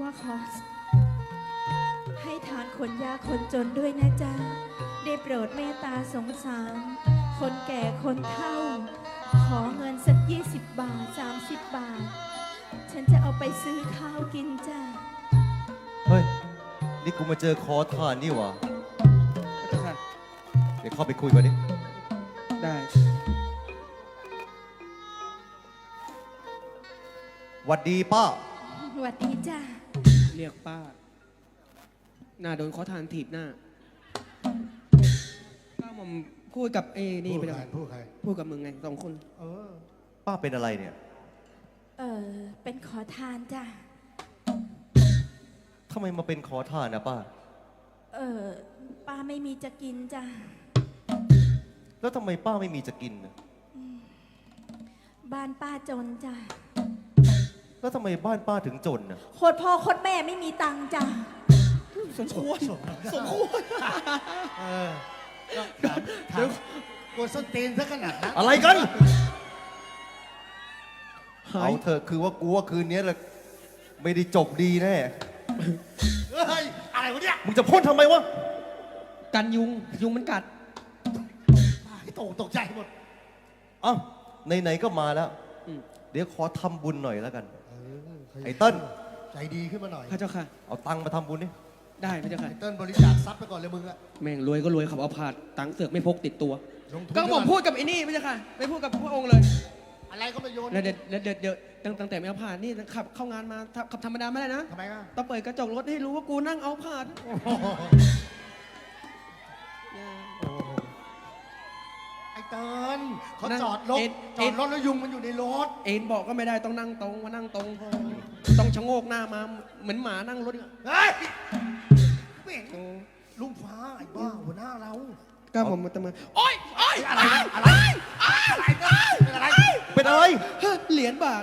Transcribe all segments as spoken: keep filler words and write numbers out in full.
ว่าขอให้ทานคนยากคนจนด้วยนะจ๊ะได้โปรดเมตตาสงสารคนแก่คนเฒ่าขอเงินสักยี่สิบบาทสามสิบบาทฉันจะเอาไปซื้อข้าวกินจ้ะเฮ้ยนี่กูมาเจอขอทานนี่หว่าพระเจ้าค่ะเดี๋ยวเข้าไปคุยกันดิได้หวัดดีป้าสวัสดีจ้ะเรียกป้าหน้าโดนขอทานถีบหน้าป้าผมพูดกับเอนี่พูดไปใคแล้รวพูดใครพูดกับมึงไงสองคนเออป้าเป็นอะไรเนี่ยเออเป็นขอทานจ้ะทำไมมาเป็นขอทานนะป้าเออป้าไม่มีจะกินจ้ะแล้วทำไมป้าไม่มีจะกินน่ะบ้านป้าจนจ้ะแล้วทำไมบ้านป้าถึงจนน่ะโคตรพ่อโคตรแม่ไม่มีตังค์จ้ะสมควรสมสมควรเออเดี๋ยวเดี๋ยวกดส้นตีนซะขนาดนั้นอะไรกันหาเอายเถอะคือว่ากูว่าคืนนี้แหละไม่ได้จบดีแน่เฮ้ย อะไรวะเนี่ยมึงจะพ่นทำไมวะกันยุงยุงมันกัดไอ้ตกตกใจหมดเอ้าไหนๆก็มาแล้วอืมเดี๋ยวขอทำบุญหน่อยแล้วกันเออใครไอ้เติ้ลใจดีขึ้นมาหน่อยพระเจ้าค่ะเอาตังค์มาทำบุญนี่ได้พระเจ้าค่ะไอ้เติ้ลบริจาคทรัพย์ไปก่อนเลยมึงอะแม่งรวยก็รวยขับเอาผาดตังค์เสือกไม่พกติดตัวลงทุนก็ผมพูดกับไอ้นี่พระเจ้าค่ะไม่พูดกับพระองค์เลยอะไรก็มาโยนแล้วเดี๋ยวเดี๋ยวเดี๋ยวเดี๋ยวตั้งตั้งแต่ไม่เอาผาดนี่ขับเข้างานมาขับธรรมดาไม่ได้นะทำไมอ่ะต้องเปิดกระจกรถให้รู้ว่ากูนั่งเอาผาดโอ้โหโอ้โหไอ้เติ้ลเขาจอดรถจอดรถแล้วยุงมันอยู่ในรถเอ็นบอกก็ไม่ได้ต้องนั่งตรงมานั่งตรง ต้องชะโงกหน้ามาเหมือนหมานั่งรถอะเฮ้ยไม่เห็นลุงฟ้าไอ้บ้าหัวหน้าเราก็ผมมาตะมาโอ๊ยโอ๊ยอะไรอะไรอะไรเป็นอะไรเป็นอะไรเฮ้ยเหรียญบาท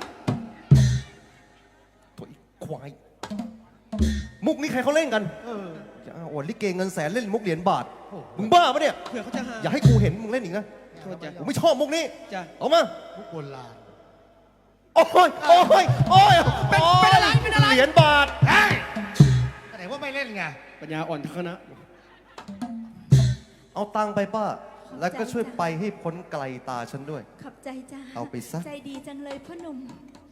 โถ่ไอ้ควาย มุกนี้ใครเขาเล่นกันเอออย่าโอวดลิเกเงินแสนเล่นมุกเหรียญบาทโอ้โหมึงบ้าปะเนี่ยเผื่อเขาจะหาอย่าให้กูเห็นมึงเล่นอีกนะโทษจ้ะกูไม่ชอบมุกนี้จ้ะเอามามุกโบราณโอ้ย โอ้ย โอ้ยเป็นเป็นอะไรเป็นอะไรเหรียญบาทเฮ้ยไหนว่าไม่เล่นไงปัญญาอ่อนทั้งคณะเอาตังค์ไปป้า แล้วก็ช่วยไปให้พ้นไกลตาฉันด้วยขอบใจจ้ะเอาไปซะใจดีจังเลยพ่อหนุ่ม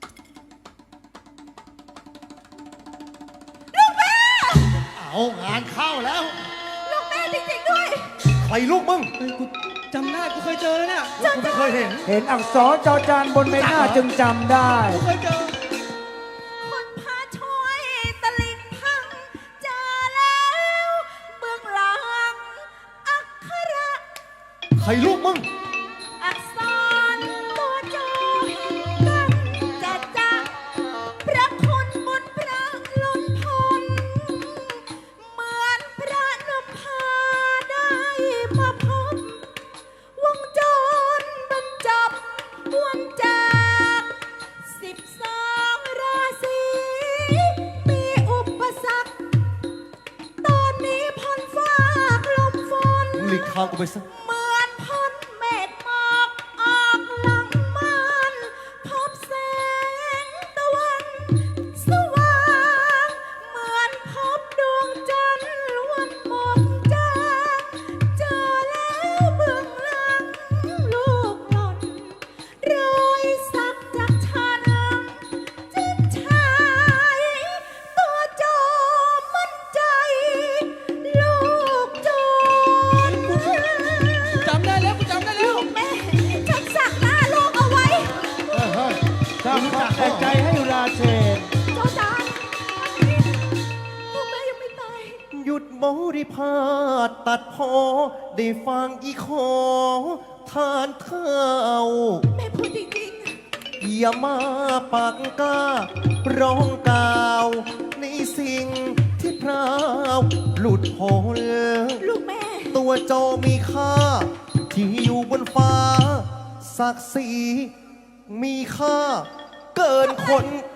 เอางานเข้าแล้วลูกแม่จริงๆด้วยใครลูกมึงเฮ้ยกูจำได้กูเคยเจอแล้วเนี่ยกูไม่เคยเห็นเห็นอักษรจอจานบนใบหน้าจึงจำได้กูเคยเจอคนพาช่วยตะลิงพังเจอแล้วเบื้องหลังอักขระใครลูกมึงอักษรตัวโจเห็นกันจะจะพระคุณบุญพระล้นพ้นเหมือนพระนภาได้มาพบวงจรบรรจบวันจากสิบสองราศีมีอุปสรรคตอนนี้พ้นฟ้ากลมฝนมึงหลีกทางกูไปซะเหมือนพ้นเมฆหมอกออกหลังมันพบแสงตะวันสว่างเหมือนพบดวงจันทร์วันหมดจางเจอแล้วเบื้องหลังลูกหล่นรอยสักจากฉันจิตชายตัวโจมั่นใจ ลูกโจรจำได้แล้วกูจำได้แล้วแม่ฉันสักหน้าลูกเอาไว้เฮ้ยเฮ้ยสร้างความแตกใจให้ราเชนโจจานลูกแม่ยังไม่ตายหยุดบริพาทตัดพอ ได้ฟังอีขอทานเท้าแม่พูดจริงอย่ามาปากกล้า ร้องกล่าว ในสิ่งที่พราวหลุดพ้นๆ ลูกแม่ตัวโจมีค่า ที่อยู่บนฟ้า ศักดิ์ศรีมีค่า เกินคน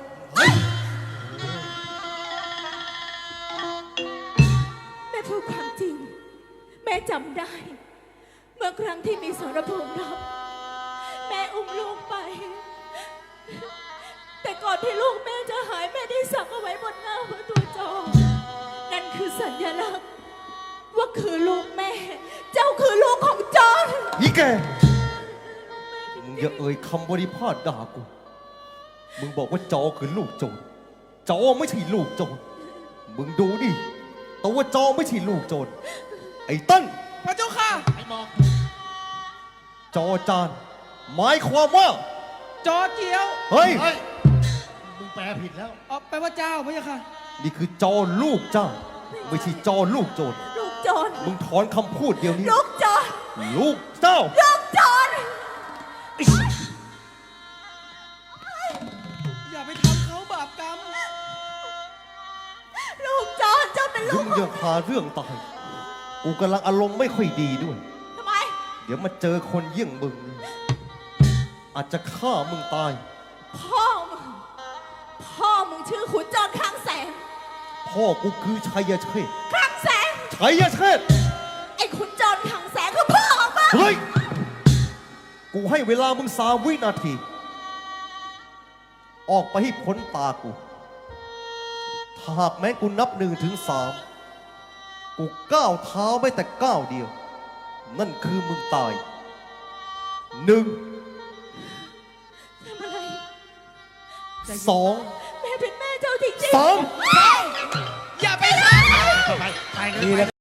แม่พูดความจริง แม่จำได้ เมื่อครั้งที่มีสรภูมิรบแม่อุ้มลูกไป แต่ก่อนอนที่ลูกแม่จะหายแม่ได้สักเอาไว้บนหน้าพระตัวจอนั่นคือสัญลักษณ์ว่าคือลูกแม่ เจ้าคือลูกของจอนอีแกมึงอย่าเอ่ยคำบริพาทด่ากูมึงบอกว่าจอคือลูกโจรจอไม่ใช่ลูกโจรมึงดูดิแต่ว่าจอไม่ใช่ลูกโจรไอ้ตั้นพระเจ้าค่ะไอ้หมอกจอจานหมายความว่าจอเจียวเฮ้ยเฮ้ย มึงแปลผิดแล้วเอาไปลว่าเจ้าพระเจ้าค่ะนี่คือจอลูกเจ้า ไม่ใช่จอลูกโจรลูกจอนมึงถอนคำพูดเดียวนี้ลูกจอนลูกเจ้าลูกจอนอย่าไปทำเขาบาปกรรมลูกจอนเจ้าเป็นลูมึกงอย่าพาเรื่องตาย กูกำลังอารมณ์ไม่ค่อยดีด้วยทำไมเดี๋ยวมาเจอคนเยี่ยงมึง อาจจะฆ่ามึงตายพ่อมึง พ่อมึงชื่อขุนจอนคลังแสงพ่อกูคือชัยเชษฐ์คลังแสงชัยเชษฐ์ไอ้ขุนจอนคลังแสงคือพ่อของมึงเฮ้ย กูให้เวลามึงสามวินาที ออกไปให้พ้นตากู ถ้าหากแม้กูนับหนึ่งถึงสาม กูก้าวเท้าไม่แต่ก้าวเดียว นั่นคือมึงตาย หนึ่งทำอะไรสองแม่เป็นแม่เจ้าจริงๆสามอย่าไปฆ่าไปไปเลยดีแล้ว